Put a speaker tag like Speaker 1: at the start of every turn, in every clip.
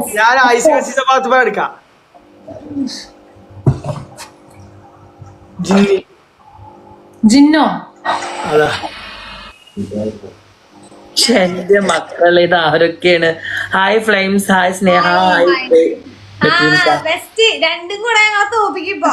Speaker 1: ഞാൻ ഐസ് കസിന്റെ ഭാഗത്ത് പോയി എടുക്കാം.
Speaker 2: ജിന്നോ
Speaker 1: അതാ
Speaker 3: എന്റെ മക്കളെ ഇത് ആരൊക്കെയാണ്? ഹായ് ഫ്ലെയിംസ്, ഹായ് സ്നേഹ,
Speaker 4: രണ്ടും കൂടെ ഞങ്ങൾ തോപ്പിക്കിപ്പോ.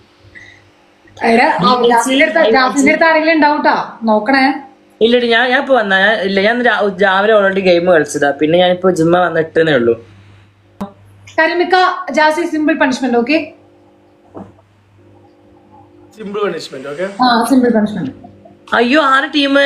Speaker 2: ജാസിന്റെ അടുത്ത് ആരെങ്കിലും ഉണ്ടാവൂട്ടാ, നോക്കണേ.
Speaker 3: ഇല്ലടി ഞാൻ ഇപ്പൊ വന്ന ഇല്ല, ഞാൻ രാവിലെ ഓൾറെഡി ഗെയിം കളിച്ചതാ, പിന്നെ ഞാനിപ്പോ ജിമ്മ വന്നിട്ടേ ഉള്ളൂ.
Speaker 2: കരിമിക്ക Jassi simple punishment. Okay,
Speaker 1: simple punishment. Okay,
Speaker 2: simple punishment.
Speaker 3: അയ്യോ ആര് ടീം?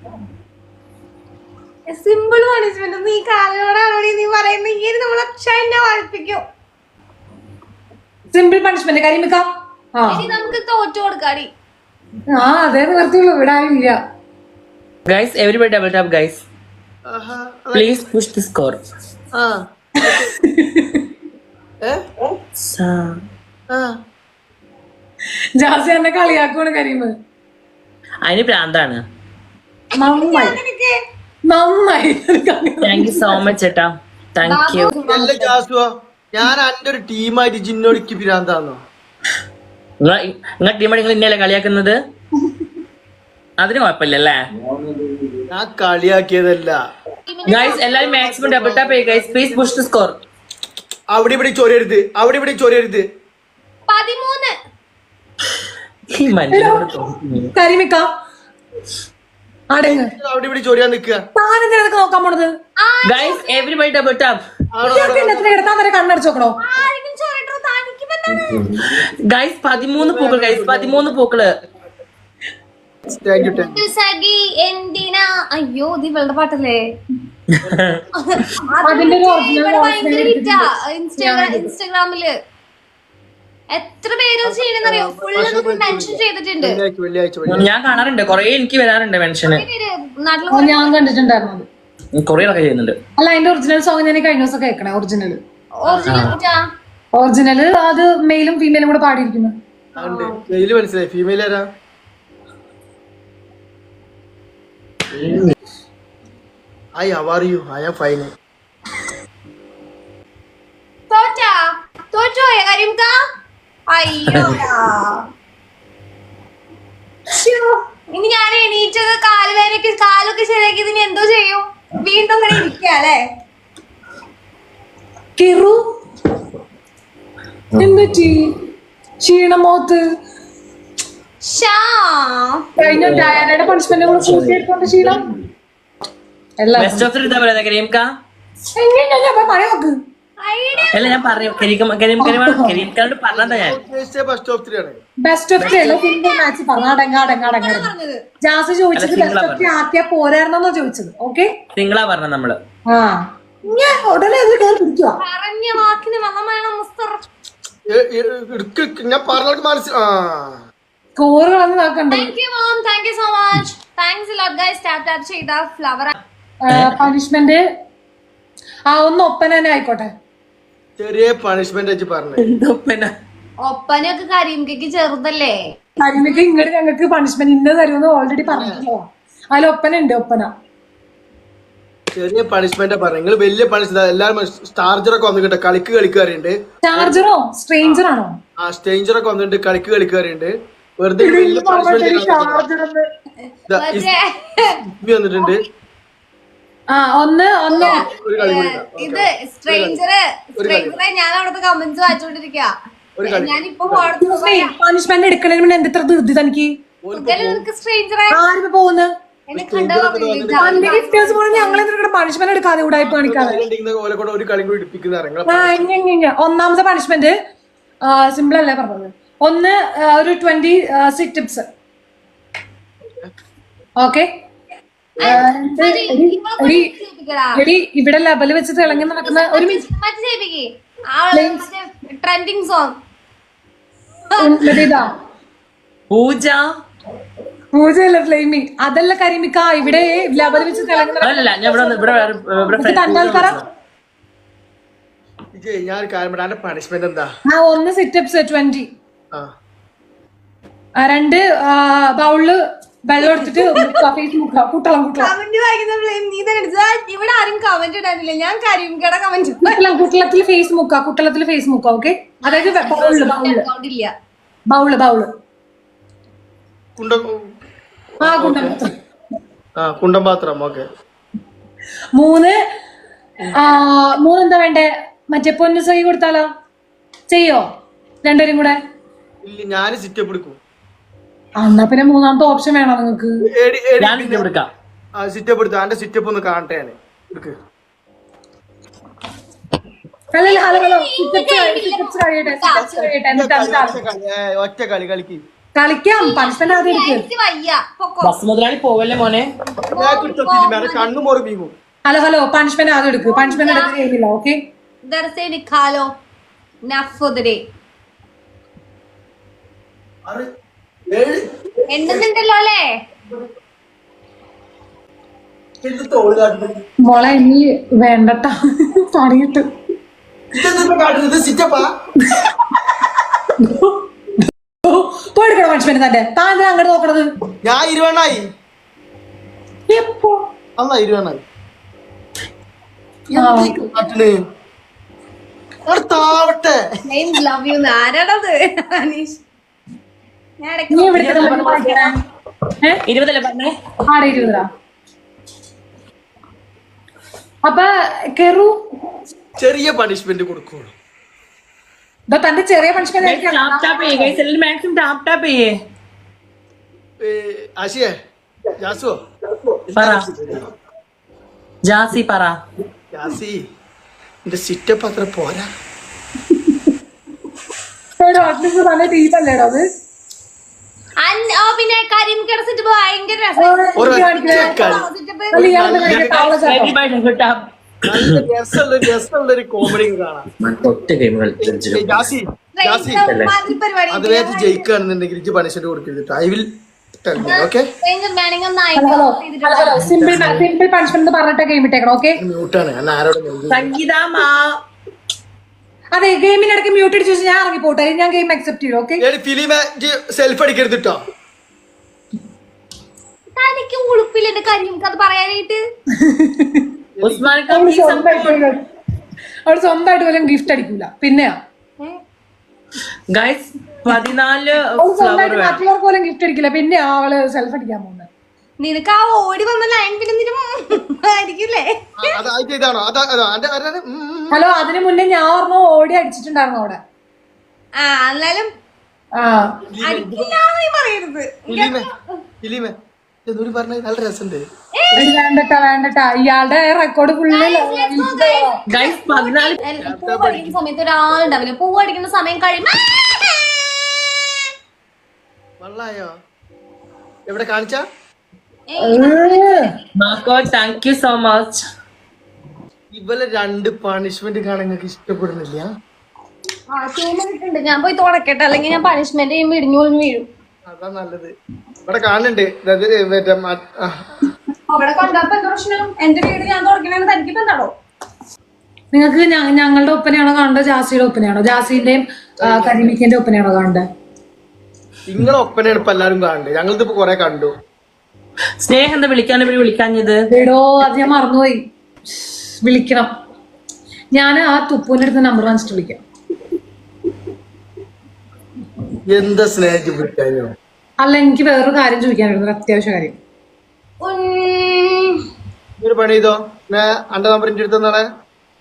Speaker 4: സിമ്പിൾ പണിഷ്മെന്റ് നീ കാലോടാണോടി നീ പറയുന്നത്? ഈ നമ്മളെ ക്ഷന്നെ വായിപ്പിക്കും.
Speaker 2: Simple punishment കരിമിക്ക.
Speaker 4: നമുക്ക് തോറ്റു കൊടുക്കാടി.
Speaker 2: അതേ നിവർത്തിയുള്ളൂ, ഇവിടെ ആരും ഇല്ല.
Speaker 3: Guys, everybody double tap, guys. Please push the score.
Speaker 2: Jassie എന്നെ കളിയാക്കുവാണ് കരീമ്.
Speaker 3: അതിന് പ്രാന്താണ്.
Speaker 2: നന്നായി.
Speaker 3: താങ്ക് യു സോ മച്ച് ചേട്ടാ, താങ്ക് യു.
Speaker 1: ഞാൻ എന്റെ ഒരു ടീമായിട്ട് ജിന്നോടിക്ക് പിരാന്താന്നോ?
Speaker 3: നിങ്ങളെ ടീമായിട്ട് നിങ്ങൾ ഇന്നലെ കളിയാക്കുന്നത്? അതിന് കുഴപ്പമില്ലല്ലേ?
Speaker 1: ഞാൻ കളിയാക്കിയതല്ല.
Speaker 3: ഗൈസ് എല്ലാരും മാക്സിമം ഡബിൾ ടാപ്പ് ചെയ്യുക guys, please push the score.
Speaker 1: അവിടെ ഇവിടെ ചൊരരുത്, അവിടെ ഇവിടെ ചൊരരുത്.
Speaker 4: 13
Speaker 3: ഈ മനുഷ്യനോട്
Speaker 2: കരിമിക്ക അടങ്ങ്.
Speaker 1: അവിടെ ഇവിടെ ചൊരിയാൻ നിക്കുക.
Speaker 2: താനെന്തിനൊക്കെ നോക്കാൻ പോണത്?
Speaker 3: Guys everybody double tap.
Speaker 2: കിടത്താൻ വരെ കണ്ണടച്ച് നോക്കണോ?
Speaker 3: ഗൈസ് 13 പൂക്കൾ, ഗൈസ് 13 പൂക്കള്.
Speaker 4: അയ്യോ ഇത് ഇവളുടെ പാട്ടല്ലേ? ഇൻസ്റ്റാഗ്രാമില് എത്ര പേര് ചെയ്യണെന്നറിയോ? ഫുള്ള് മെൻഷൻ ചെയ്തിട്ടുണ്ട്.
Speaker 3: ഞാൻ കാണാറുണ്ട്, കൊറേ എനിക്ക് വരാറുണ്ട് മെൻഷന്.
Speaker 2: ഞാൻ കണ്ടിട്ടുണ്ടായിരുന്നു.
Speaker 3: കൊറിയറൊക്കെ ചെയ്യുന്നുണ്ട്.
Speaker 2: അല്ല, അതിന്റെ ഒറിജിനൽ സോങ് ഞാൻ കഴിഞ്ഞ ദിവസം കേൾക്കണേ. ഒറിജിനല് അത് മെയിലും ഫീമെയിലും കൂടെ പാടിയിരിക്കുന്നു.
Speaker 1: മനസ്സിലായി. ഫീമെയിൽ ആരാ? Hi, how are you? I am fine.
Speaker 4: തോറ്റോയ കരിംക? അയ്യോ ഇനി ഞാൻ എണീറ്റത് കാലുവേനൊക്കെ കാലൊക്കെ ശരിയാക്കി ഇനി എന്തോ ചെയ്യും? വീണ്ടും അങ്ങനെ ഇരിക്കല്ലേ?
Speaker 2: എന്നിട്ട് ക്ഷീണമോത്ത് കഴിഞ്ഞ ഡയാനയുടെ പണിഷ്മെന്റ് കൂടെ കൂട്ടിയെടുത്തോണ്ട് ക്ഷീണം.
Speaker 3: ബെസ്റ്റ് ഓഫ് 3 എന്താ പറയുക കരിംക?
Speaker 2: മഴ നോക്ക്.
Speaker 3: അല്ല ഞാൻ പറഞ്ഞു കരിംകാരോട് പറഞ്ഞതാ ഞാൻ.
Speaker 1: ബെസ്റ്റ് ഓഫ് 3
Speaker 2: അല്ല, സിംഗിൾ മാച്ച് പറഞ്ഞു. അടങ്ങാടങ്ങാടങ്ങ ജാസ് ചോദിച്ചത് ബെസ്റ്റ് ഓഫ് 3 ആക്കിയാ പോരായിരുന്നോ ചോദിച്ചത്. ഓക്കെ,
Speaker 3: സിംഗിളാ പറഞ്ഞ നമ്മള്.
Speaker 2: ഞാൻ ഉടനെ അത് കയറി പിടിക്കുക.
Speaker 4: പറഞ്ഞ വാക്കിന് വെള്ളം വേണം മുസ്തർ.
Speaker 1: ഞാൻ പറഞ്ഞ മനസ്സിലാ.
Speaker 2: സ്കോറുകളൊന്നും നോക്കണ്ടേ.
Speaker 4: Thank you mom, thank you so much. Thanks a lot guys. Tap tap ചെയ്ത ഫ്ലവർ
Speaker 2: പണിഷ്മെന്റ് ഒന്ന് ഒപ്പന തന്നെ ആയിക്കോട്ടെ.
Speaker 1: ചെറിയ പണിഷ്മെന്റ് വെച്ച് പറഞ്ഞു.
Speaker 4: ഒപ്പനൊക്കെ കരിംകയ്ക്ക് ചെറുതല്ലേ?
Speaker 2: കരിമിക്ക് ഇങ്ങോട്ട് ഞങ്ങൾക്ക് പണിഷ്മെന്റ് ഇന്നത് തരുമെന്ന് ഓൾറെഡി പറഞ്ഞിട്ടുള്ളതാ. അതിൽ ഒപ്പന ഉണ്ട്. ഒപ്പന
Speaker 1: ചെറിയ പണിഷ്മെന്റ് പറഞ്ഞു. നിങ്ങൾ വലിയ പണിഷ്മെന്റ് എല്ലാരും സ്റ്റാർജറൊക്കെ വന്നിട്ട് കളിക്കാറുണ്ട്.
Speaker 2: ചാർജറോ സ്ട്രേഞ്ചറാണോ?
Speaker 1: ആ സ്ട്രേഞ്ചറൊക്കെ വന്നിട്ട് കളിക്കാറുണ്ട്. വെറുതെ വലിയ പണിഷ്മെന്റ് വന്നിട്ടുണ്ട്.
Speaker 4: ഇത് സ്ട്രേഞ്ചറെ ഞാൻ അവിടുത്തെ കമന്റ്സ് വായിച്ചോണ്ടിരിക്ക. ഞാനിപ്പോ
Speaker 2: പണിഷ്മെന്റ് എടുക്കണതിന് മുന്നേ എന്ത് ഇത്ര ധൃതി തനിക്ക്?
Speaker 4: സ്ട്രേഞ്ചറെ
Speaker 2: ആരും പോകുന്നത് പണിഷ്മെന്റ് എടുക്കാതെ ഉടായ്പ കാണിക്കാതെ. ഒന്നാമത്തെ പണിഷ്മെന്റ് സിമ്പിൾ അല്ലേ പറഞ്ഞത്. ഒന്ന് ഒരു 20 സിറ്റപ്സ്. ഓക്കെ, ഇവിടെ ലെവല് വെച്ച് തിളങ്ങി നടക്കുന്ന ഒരു
Speaker 4: ട്രെൻഡിങ് സോങ്
Speaker 2: ഇതാ പൂജയല്ല ഫ്ലെയിമി. അതല്ല കരിമിക്ക. ഇവിടെ ലെവൽ വെച്ച് തിളങ്ങി
Speaker 1: പണിഷ്മെന്റ് എന്താ?
Speaker 2: ഒന്ന് സിറ്റപ്സ് 20, 2 ബൗളില് വെള്ളം എടുത്തിട്ട് ഫേസ് മുക്ക കുട്ടളം
Speaker 4: കമന്റ് വായിക്കുന്ന blame നീ തന്നെ എടുത്തതാ. ഇവിടെ ആരും കമന്റ് ഇടാനില്ല. ഞാൻ കരിമിക്കയുടെ കമന്റ്
Speaker 2: കുട്ടളത്തിൽ ഫേസ് മുക്ക കുട്ടളത്തിൽ ഫേസ് മുക്ക. ഓക്കെ, അതായത്
Speaker 4: അക്കൗണ്ട് ഇല്ല.
Speaker 2: ബൗള്
Speaker 1: കുണ്ടം
Speaker 2: ആ കുണ്ടപാത്രം.
Speaker 1: കുണ്ടം പാത്രം. ഓക്കെ,
Speaker 2: മൂന്ന് എന്താ വേണ്ടേ? മറ്റേ പൊന്നു സൈ കൊടുത്താലോ? ചെയ്യോ രണ്ടുപേരും കൂടെ?
Speaker 1: ഇല്ല, ഞാൻ സിറ്റപ്പ് എടുക്കും.
Speaker 2: എന്നാ പിന്നെ മൂന്നാമത്തെ ഓപ്ഷൻ വേണോ നിങ്ങക്ക്?
Speaker 1: സിറ്റപ്പ് എടുത്തു. എന്റെ സിറ്റപ്പ് ഒന്ന് കാണട്ടെ ഞാൻ. എടുക്ക്. ഒറ്റ കളി കളിക്ക്.
Speaker 2: കളിക്കാം. പണിഷ്മെന്റ് ആദ്യം എടുക്ക്.
Speaker 4: എനിക്ക് വയ്യ. പൊക്കോ.
Speaker 3: ബസ് മുതലാളി പോവല്ലേ മോനെ?
Speaker 1: കണ്ണു മോറി വീങ്ങും.
Speaker 2: ഹലോ പണിഷ്മെന്റ് ആദ്യം എടുക്ക്. പണിഷ്മെന്റ് എടുത്ത് കഴിയില്ല. ഓക്കെ,
Speaker 4: ദർസേ നിക്കാലോ. നഫുദരെ എണ്ണുന്നുണ്ടല്ലോ അല്ലേ?
Speaker 2: മോളെ ഇനി വേണ്ടട്ടാ പണിയിട്ട്. പോയെടുക്കണം പണിഷ്മെന്റ് തന്നെ. താൻ എന്തിനാ അങ്ങോട്ട് നോക്കണത്?
Speaker 1: ഞാൻ 20
Speaker 2: എപ്പോ?
Speaker 1: അന്നാ 20 താവട്ടെ.
Speaker 4: Love you. ആരാടത്? അനീഷ്. ഞാൻ ഇടയ്ക്ക്
Speaker 2: നീ എവിടുത്തെ
Speaker 3: 20 പറഞ്ഞേ?
Speaker 2: ആടെ 20. അപ്പൊ കെറു
Speaker 1: ചെറിയ പണിഷ്മെന്റ് കൊടുക്കുള്ളൂ.
Speaker 2: തന്റെ ചെറിയ പണിഷ്മെന്റ്
Speaker 3: മാക്സിമം ടാപ്പ് ചെയ്യേ.
Speaker 1: ആശിയേ, ജാസുവോ?
Speaker 3: പറ ജാസി, പറ
Speaker 1: ജാസി, എന്റെ സിറ്റപ്പ് അത്ര പോരാ.
Speaker 2: നല്ല ടീപ്പല്ലേടോ അത്?
Speaker 4: പിന്നെ കരിമിക്കയുടെ സെറ്റപ്പ് ഭയങ്കര രസം.
Speaker 1: രസമുള്ളൊരു കോമഡി കാണാം. ജാസി, ജാസി, അതുവരെ ജയിക്കുകയാണെന്നുണ്ടെങ്കിൽ ഇജ്ജ് പണിഷ്മെന്റ് കൊടുക്കരുത്. I will tell you. Okay,
Speaker 2: simple punishment പറഞ്ഞിട്ട് ഗെയിം ഇട്ടേക്കണം. ഓക്കെ,
Speaker 1: മ്യൂട്ടാണ്. ഞാൻ ആരോടും
Speaker 3: സംഗീത
Speaker 2: അതെ, ഗെയിമിനിടയ്ക്ക് മ്യൂട്ട് അടിച്ചു വെച്ചാൽ ഞാൻ ഇറങ്ങി പോട്ടെ. ഞാൻ ഗെയിം അക്സെപ്റ്റ് ചെയ്യും. ഓക്കെ,
Speaker 1: ഫിലിമെ സെൽഫ് അടിക്കരുത് കേട്ടോ.
Speaker 4: തനിക്ക് ഉളുപ്പില്ല എന്റെ കരിമിക്ക അത് പറയാനായിട്ട്.
Speaker 2: അവള് സ്വന്തമായിട്ട് പോലും ഗിഫ്റ്റ് അടിക്കൂല. പിന്നെയാ
Speaker 3: ഗൈസ് 14
Speaker 2: സ്വന്തമായിട്ട് മറ്റുള്ളവർക്ക് പോലും ഗിഫ്റ്റ് അടിക്കില്ല. പിന്നെ അവള് സെൽഫ് അടിക്കാൻ പോകുന്നത്.
Speaker 4: നിനക്ക് ആ ഓടി വന്ന ലൈൻ പിന്നെ ആയിരിക്കില്ലേ?
Speaker 2: ഹലോ, അതിന് മുന്നേ ഞാൻ പറഞ്ഞു ഓടി അടിച്ചിട്ടുണ്ടായിരുന്നു അവിടെ.
Speaker 4: എന്നാലും പറയരുത്.
Speaker 1: നല്ല രസമുണ്ട്.
Speaker 2: വേണ്ടട്ടാ ഇയാളുടെ റെക്കോർഡ് ഫുള്ള്.
Speaker 4: പൂ പഠിക്കുന്ന സമയത്ത് ഒരാളുണ്ടാവില്ല. പൂ പഠിക്കുന്ന സമയം കഴിയുമ്പോ
Speaker 1: വള്ളായോ? എവിടെ കാണിച്ച?
Speaker 3: Thank you so much.
Speaker 1: ഇവലെ 2 പണിഷ്മെന്റ് കാണാൻ നിങ്ങൾക്ക് ഇഷ്ടപ്പെടുന്നില്ല?
Speaker 4: ഞാൻ പോയി തുടക്കട്ടെ, അല്ലെങ്കിൽ ഞാൻ പണിഷ്മെന്റ് ചെയ്യുമ്പോ ഇടിഞ്ഞു വീഴും.
Speaker 1: അതാ നല്ലത്. ഇവിടെ കാണുന്നുണ്ട്.
Speaker 4: അവിടെ കണ്ടപ്പോ എന്താ പ്രശ്നം? എന്റെ വീട് ഞാൻ തുടക്കണെന്ന് തനിക്കിപ്പോ എന്താണോ?
Speaker 2: നിങ്ങൾക്ക് ഞങ്ങളുടെ ഒപ്പനയാണോ കാണേണ്ടത്? ജാസിയുടെ ഒപ്പനയാണോ? ജാസിന്റെയും കരിമിക്കന്റെ ഒപ്പനയാണോ കാണേണ്ടത്?
Speaker 1: നിങ്ങളെ ഒപ്പനയാണ് ഇപ്പൊ എല്ലാരും കാണുന്നത്. ഞങ്ങളിതിപ്പോ കൊറേ കണ്ടു.
Speaker 3: സ്നേഹം എന്താ വിളിക്കാഞ്ഞത്?
Speaker 2: എടോ, അത് ഞാൻ മറന്നുപോയി. വിളിക്കണം. ഞാൻ ആ തുപ്പൂന്റെ അടുത്ത് നമ്പർ വാങ്ങിച്ചിട്ട് വിളിക്കാം.
Speaker 1: എന്താ സ്നേഹിച്ച് വിളിക്കാനോ?
Speaker 2: അല്ല, എനിക്ക് വേറൊരു കാര്യം ചോദിക്കാനായിരുന്നു, അത്യാവശ്യ കാര്യം.
Speaker 1: ഒരു പണി ചെയ്തോ, അന്റെ നമ്പർ എന്റെ അടുത്ത് നാളെ.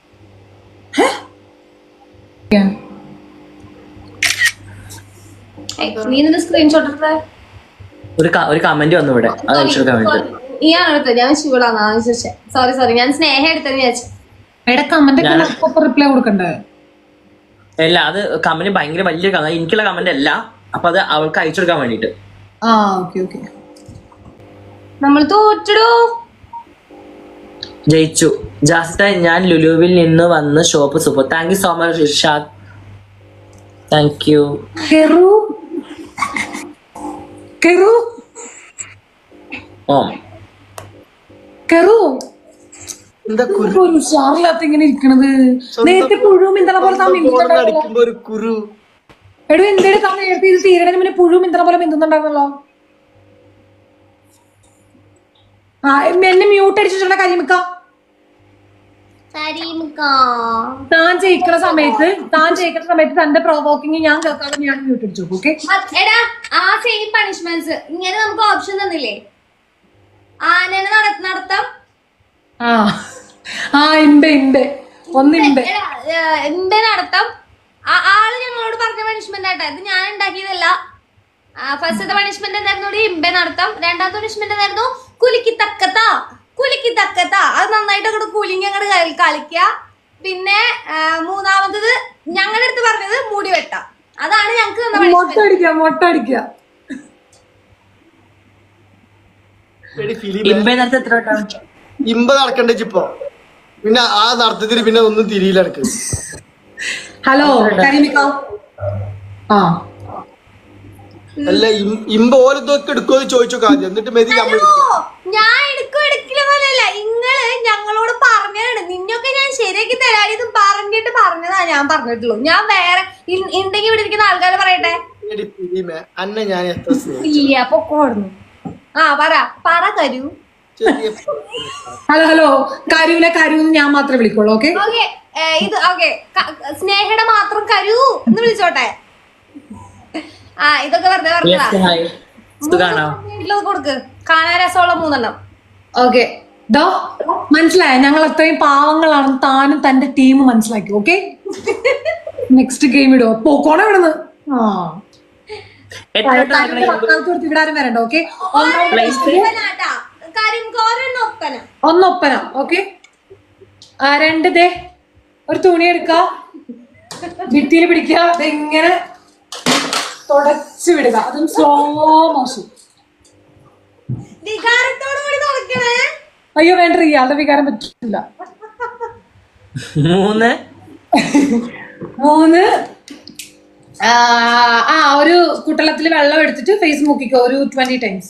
Speaker 4: നീ നിന്റെ സ്ക്രീൻഷോട്ട് എടുത്തേ.
Speaker 3: ഒരു കമന്റ് വന്നു ഇവിടെ.
Speaker 4: ഇയാളെടുത്ത ഞാൻ ശിവളാണ് ചോദിച്ചേ. സോറി, ഞാൻ സ്നേഹ എടുത്തെന്ന് വിചാരിച്ചു.
Speaker 2: കമന്റ് റിപ്ലൈ കൊടുക്കണ്ടേ?
Speaker 3: അല്ല, അത് കമന്റ് ഭയങ്കര വലിയ എനിക്കുള്ള കമന്റ് അല്ല. അപ്പൊ അത് അവൾക്ക് അയച്ചു കൊടുക്കാൻ വേണ്ടിട്ട്.
Speaker 4: നമ്മൾ തോറ്റടോ.
Speaker 3: ജയിച്ചു. ജാസിത, ഞാൻ ലുലുവിൽ നിന്ന് വന്ന് shop super. Thank you so much Irshad. Thank you.
Speaker 2: ഇങ്ങനെ ഇരിക്കണത്. നേരത്തെ പുഴു മിന്തണ പോലെ എടോ, എന്തേലും സമയം നേരത്തെ ഇത് തീരണതിന് മുന്നേ പുഴു മിന്തണ പോലെ മിന്തുന്നുണ്ടായിരുന്നല്ലോ. എന്നെ മ്യൂട്ട് അടിച്ചിട്ടുള്ള കരിമിക്ക. താൻ ജയിക്കണ സമയത്ത് തന്റെ പ്രൊവോക്കിങ് ഞാൻ കേൾക്കാതെ ഞാൻ മ്യൂട്ട് അടിച്ചു. ഓക്കെ
Speaker 4: എടാ ആ സെയിം പണിഷ്മെന്റ്സ് ഇങ്ങനെ നമുക്ക് ഓപ്ഷൻ തന്നില്ലേ? ആനനെ നടത്താം. എന്റെ നടത്തം ആള് ഞങ്ങളോട് പറഞ്ഞ പണിഷ്മെന്റ് ആട്ടാ. ഇത് ഞാൻ ഉണ്ടാക്കിയതല്ല. ഫസ്റ്റത്തെ പണിഷ്മെന്റ് എന്തായിരുന്നു? ഇമ്പെ നടത്തം. രണ്ടാമത്തെ പണിഷ്മെന്റ് എന്തായിരുന്നു? കുലുക്കി തക്കത്ത. അത് നന്നായിട്ട് അങ്ങോട്ട് കുലുങ്ങി അങ്ങോട്ട് കളിക്കുക. പിന്നെ മൂന്നാമത്തത് ഞങ്ങളുടെ അടുത്ത് പറഞ്ഞത് മുടി വെട്ടാം. അതാണ് ഞങ്ങക്ക് തന്ന
Speaker 2: മൊട്ടടിക്കുക.
Speaker 1: ഇമ്പ നടക്കണ്ടേ ഇപ്പൊ? പിന്നെ ആ നടത്തത്തിന് പിന്നെ ഒന്നും തിരിയില്ല എനിക്ക്.
Speaker 2: ഹലോ കരിമിക്ക.
Speaker 1: അല്ല ഇമ്പ ഓരോക്കെ എടുക്കുമോ ചോദിച്ചു ആദ്യം, എന്നിട്ട് മെതി
Speaker 4: ഞാൻ എടുക്കില്ലെന്നല്ല. ഇങ്ങള് ഞങ്ങളോട് പറഞ്ഞതാണ്. നിന്നൊക്കെ ഞാൻ ശരിയാക്കി തരാനിത് പറഞ്ഞതാ ഞാൻ പറഞ്ഞിട്ടുള്ളൂ. ഞാൻ വേറെ ഉണ്ടെങ്കിൽ ഇവിടെ ഇരിക്കുന്ന ആൾക്കാരെ പറയട്ടെ.
Speaker 1: അന്നെ ഞാൻ എത്ര
Speaker 4: പൊക്കോടുന്നു. പറ കരു.
Speaker 2: ഹലോ കരുവിനെ കരുന്ന് ഞാൻ മാത്രമേ വിളിക്കുള്ളൂ. ഓക്കെ
Speaker 4: ഇത് ഓക്കെ. സ്നേഹയുടെ മാത്രം കരു എന്ന് വിളിച്ചോട്ടെ. ഇതൊക്കെ വെറുതെ പറഞ്ഞതാ. കൊടുക്ക് കാണാൻ രസമുള്ള 3 എണ്ണം.
Speaker 2: ഓക്കെ മനസ്സിലായ? ഞങ്ങൾ അത്രയും പാവങ്ങളാണെന്ന് താനും തന്റെ ടീം മനസ്സിലാക്കി. ഓക്കെ നെക്സ്റ്റ് ഗെയിം ഇടുവോ? പോക്കോണ ഇവിടുന്ന്. ഇവിടെ ആരും വരണ്ട. ഓക്കെ ഒന്നൊപ്പന. ഓക്കെ 2 ദേ ഒരു തുണി എടുക്ക, ഭിത്തിയിൽ പിടിക്കുക, ഇങ്ങനെ തുടച്ചു വിടുക. അതും സ്ലോ മോഷൻ. അയ്യോ വേണ്ട, ഇയാളുടെ വികാരം പറ്റില്ല. 3 ഒരു കുട്ടളത്തില് വെള്ളം എടുത്തിട്ട് ഫേസ് മുക്കിക്കോ ഒരു 20 ടൈംസ്.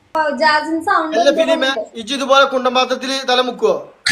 Speaker 1: ഇതുപോലെ കുണ്ടപാത്രത്തില് തല മുക്കുവോ?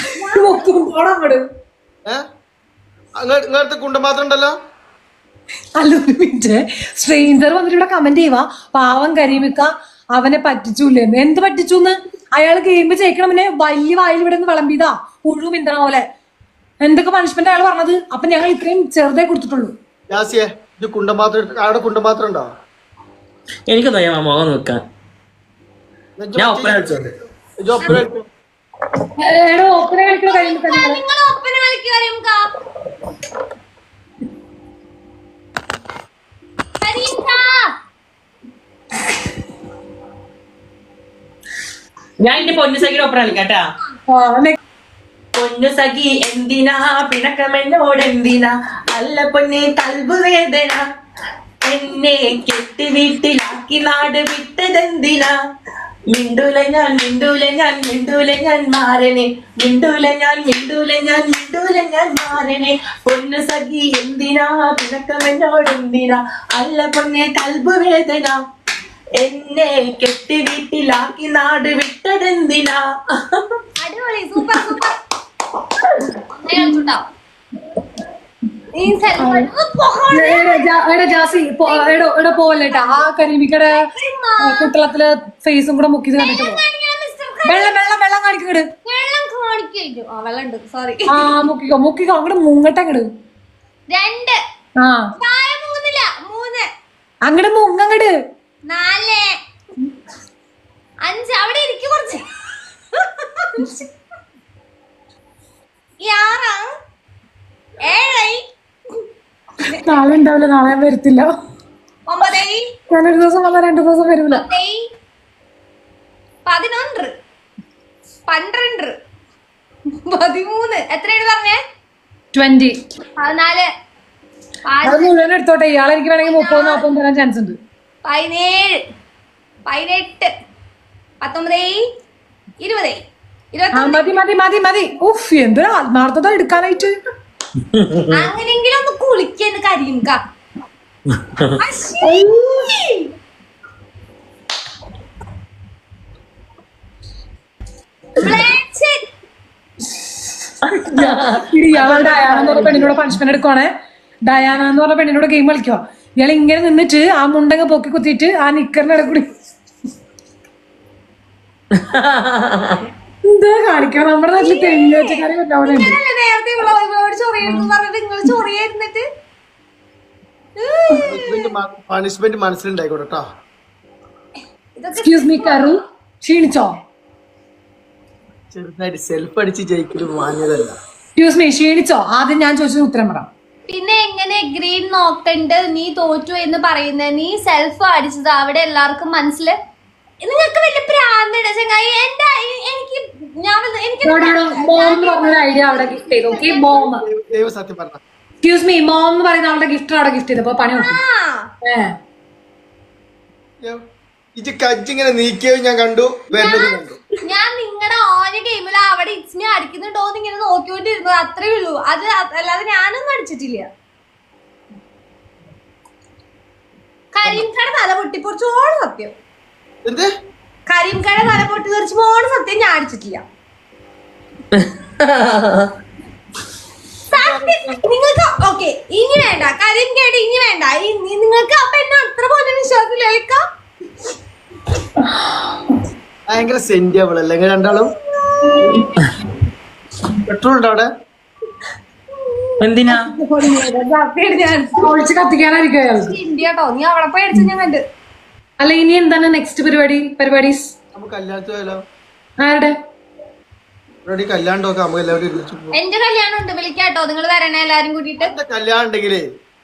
Speaker 1: ഇങ്ങനത്തെ കുണ്ടപാത്രം ഉണ്ടല്ലോ.
Speaker 2: അല്ല ഒരു മിനിറ്റ്, സ്ട്രേഞ്ചർ വന്നിട്ട് ഇവിടെ കമന്റ് ചെയ്യുക, പാവം കരിമിക്ക അവനെ പറ്റിച്ചൂല്ലേ. എന്ത് പറ്റിച്ചൂന്ന്? അയാൾ ഗെയിം ജയിക്കണം, പിന്നെ വലിയ വായിൽ ഇവിടെ നിന്ന് വിളമ്പിയതാ പുഴു മിന്തണ പോലെ. എന്തൊക്കെ പണിഷ്മെന്റ് അയാൾ പറഞ്ഞത്. അപ്പൊ ഞങ്ങൾ ഇത്രയും ചെറുതേ കൊടുത്തിട്ടുള്ളൂ.
Speaker 1: കുണ്ടപാത്രം ഉണ്ടോ?
Speaker 3: എനിക്കൊന്നും ഞാൻ മുഖം നോക്കാൻ. ഞാൻ ഒപ്പന കളിച്ചോണ്ട്
Speaker 2: ഒപ്പന കളിക്കണ കരിമിക്ക.
Speaker 3: ഞാൻ എന്റെ പൊന്നു സഖിയുടെ ഒപ്പന കളിക്കാട്ടാ. പൊന്നു സഖി എന്തിനാ പിണക്കമെന്നോട് എന്തിനാ, അല്ല പൊന്നെ കൽബ് വേദന, എന്നെ കെട്ടി വീട്ടിലാക്കി നാട് വിട്ടതെന്തിനാ, മിണ്ടൂല ഞാൻ മാറനെ, മിണ്ടൂല ഞാൻ മാറനെ, പൊന്നു സഖി എന്തിനാ പിണക്കമെന്നോട് എന്തിനാ, അല്ല പൊന്നെ കൽബ് വേദന, എന്നെ കെട്ടി വീട്ടിലാക്കി നാട് വിട്ടതെന്തിനാ.
Speaker 4: അടിപൊളി, സൂപ്പർ സൂപ്പർ.
Speaker 2: ജാസി ഇവിടെ പോവല്ലേട്ടാ. ആ കരിമിക്കടെ കുട്ടളത്തില് ഫേസും കൂടെ മുക്കിയത് കണ്ടിട്ട് വെള്ളം കാണിക്കട്. മുക്കിക്കോ അങ്ങോട്ട് മുങ്ങട്ടെ അങ്ങട്. അങ്ങട് മുങ്ങങ്ങട്.
Speaker 4: 4 5 അവിടെ ഇരിക്കും കുറച്ച്. 6 7
Speaker 2: നാളെ ഉണ്ടാവില്ല, നാളെ ഞാൻ വരത്തില്ല.
Speaker 4: 9
Speaker 2: ഞാനൊരു ദിവസം വന്നാൽ 2 ദിവസം വരൂല.
Speaker 4: 11 12 13 എത്രയാണ് പറഞ്ഞേ?
Speaker 2: 20
Speaker 4: 14
Speaker 2: അത് മുഴുവൻ എടുത്തോട്ടെ. ഇയാളെ എനിക്ക് വേണമെങ്കിൽ 30-40 തരാൻ ചാൻസ് ഉണ്ട്.
Speaker 4: 17 18 19 20
Speaker 2: മതി. ഉഫ് എന്തൊരു ആത്മാർത്ഥത എടുക്കാനായിട്ട്.
Speaker 4: അങ്ങനെങ്കിലും ഒന്ന് കുളിക്കുന്നു കരിമിക്ക.
Speaker 2: പെണ്ണിനോട് പണിഷ്മെന്റ് എടുക്കുവാണേ. ഡയാന എന്ന് പറഞ്ഞ പെണ്ണിനോട് ഗെയിം കളിക്കുക. ഇയാൾ ഇങ്ങനെ നിന്നിട്ട് ആ മുണ്ടങ്ങ പൊക്കി കുത്തിയിട്ട് ആ നിക്കറിന്റെ ഇടയിൽ കൂടി എന്താ കാണിക്കണം നമ്മുടെ നാട്ടില് തെങ്ങ് വെച്ചക്കാരെ പറ്റാവുന്നുണ്ട്.
Speaker 4: ഇങ്ങനെയല്ലേ നേരത്തെ ഇവളോട് ചൊറിയെന്ന് പറഞ്ഞിട്ട് നിങ്ങൾ ചൊറിയായിരുന്നിട്ട്
Speaker 1: പണിഷ്മെന്റ് മനസ്സിലുണ്ടായിക്കോട്ടെ കേട്ടോ.
Speaker 4: ഇതൊക്കെ
Speaker 2: എക്സ്ക്യൂസ് മീ കറു, ക്ഷീണിച്ചോ?
Speaker 1: ചെറുതായിട്ട് സെൽഫ് അടിച്ച് ജയിക്കലും മാന്യതല്ല.
Speaker 2: Excuse me, ക്ഷീണിച്ചോ? ആദ്യം ഞാൻ ചോദിച്ചത് ഉത്തരം പറ.
Speaker 4: പിന്നെ എങ്ങനെ ഗ്രീൻ നോക്കണ്ട് നീ തോറ്റു എന്ന് പറയുന്നത്? നീ സെൽഫ് അടിച്ചത് അവിടെ എല്ലാവർക്കും മനസ്സില്. നിങ്ങൾക്ക് വലിയ പ്രാന്തട ചങ്ങായി. എനിക്ക് എനിക്ക്
Speaker 2: മോം എന്ന് പറഞ്ഞൊരു ഐഡിയ അവിടെ ഗിഫ്റ്റ് ചെയ്തു. Okay, mom.
Speaker 1: ദൈവം സത്യം പറഞ്ഞ
Speaker 2: എക്സ്ക്യൂസ് മീ, മോം എന്ന് പറയുന്ന അവളുടെ ഗിഫ്റ്റ് അവിടെ ഗിഫ്റ്റ് ചെയ്തപ്പോ പണി നോക്കി.
Speaker 1: ഇത് കജ്ജിങ്ങനെ നീക്കിയത് ഞാൻ കണ്ടു, വരുന്നത് കണ്ടു.
Speaker 4: ഞാൻ നിങ്ങളുടെ ഓരോ ഗെയിമിൽ അവിടെ ഇറ്റ്സിനെ അടിക്കുന്നുണ്ടോ എന്ന് ഇങ്ങനെ നോക്കിക്കൊണ്ടിരുന്നു, അത്രേ ഉള്ളൂ. അത് അല്ലാതെ ഞാനൊന്നും അടിച്ചിട്ടില്ല. കരീംകട തല പൊട്ടിപ്പൊറിച്ചോളം സത്യം.
Speaker 1: എന്ത്
Speaker 4: കരീംകട തല പൊട്ടി തെറിച്ചോളം സത്യം ഞാൻ അടിച്ചിട്ടില്ല. നിങ്ങൾക്ക് ഓക്കെ ഇനി വേണ്ട, കരീംകേട് ഇനി വേണ്ട. നിങ്ങൾക്ക് അപ്പൊ എന്നെ അത്ര പോലെ വിശ്വാസമില്ല.
Speaker 1: ഭയങ്കര സെന്റിയബിൾ അല്ലേ രണ്ടാളും? പെട്രോൾ ഉണ്ടോ അവിടെ?
Speaker 3: എന്തിനാ
Speaker 2: ഞാൻ ഒളിച്ച് കത്തിക്കാനായിരിക്കും അയാൾക്ക്.
Speaker 4: ഇന്ത്യട്ടോ നീ അവിടെ പോയി അടിച്ച ഞാൻ കണ്ട്.
Speaker 2: അല്ല, ഇനി എന്താണ് നെക്സ്റ്റ് പരിപാടീസ്?
Speaker 1: നമുക്ക് കല്യാണത്തിന് പോയാലോ?
Speaker 2: ആരുടെ
Speaker 1: കല്യാണം നോക്കാം, നമുക്ക് എല്ലാവരും ഒരുമിച്ച് പോവാം.
Speaker 4: എന്റെ കല്യാണം ഉണ്ട്, വിളിക്കാട്ടോ. നിങ്ങൾ വരണേ എല്ലാരും കൂട്ടിട്ട്.
Speaker 1: എന്റെ കല്യാണം ഉണ്ടെങ്കിലേ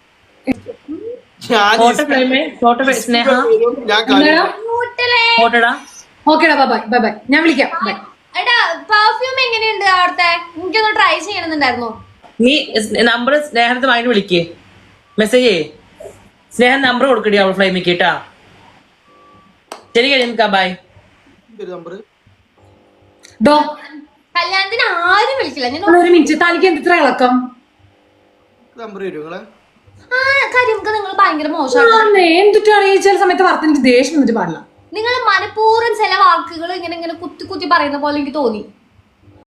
Speaker 1: ഞാൻ
Speaker 3: ഫോട്ടോ സ്നേഹ
Speaker 1: ഞാൻ കല്യാണം
Speaker 3: ഫോട്ടോടാ.
Speaker 2: ഓക്കേടാ, ബൈ ബൈ ബൈ. ഞാൻ വിളിക്കാം. ബൈ.
Speaker 4: എടാ പെർഫ്യൂം എങ്ങനെയുണ്ട് അവിടുത്തെ? എനിക്കൊന്ന് ട്രൈ ചെയ്യണമെന്നുണ്ടായിരുന്നു.
Speaker 3: നീ നമ്പർ സ്നേഹത്തെ വാങ്ങിട്ട് വിളിക്കേ, മെസ്സേജ് ചെയ്യേ. സ്നേഹം നമ്പർ കൊടുക്കടി അവൾ ഫ്ലൈമിക്ക് കേട്ടാ. ശരി കഴിയുക, ബൈ.
Speaker 1: നമ്പർ
Speaker 2: ഡോ,
Speaker 4: കല്യാണത്തിന് ആരും വിളിക്കില്ല. ഞാൻ
Speaker 2: ഒരു മിനിറ്റ്, തനിക്ക് എന്തിത്ര ഇളക്കം?
Speaker 1: നമ്പർ തരും നിങ്ങളെ.
Speaker 4: കാര്യം നിങ്ങൾ ഭയങ്കര മോശമാണ്.
Speaker 2: എന്തിട്ടാണ് ഈ ചില സമയത്ത് വാർത്ത എനിക്ക് ദേഷ്യം വന്നിട്ട് പാടില്ല.
Speaker 4: നിങ്ങൾ മനഃപൂർവ്വം ചില വാക്കുകൾ ഇങ്ങനെ ഇങ്ങനെ കുത്തി കുത്തി പറയുന്ന പോലെ എനിക്ക് തോന്നി.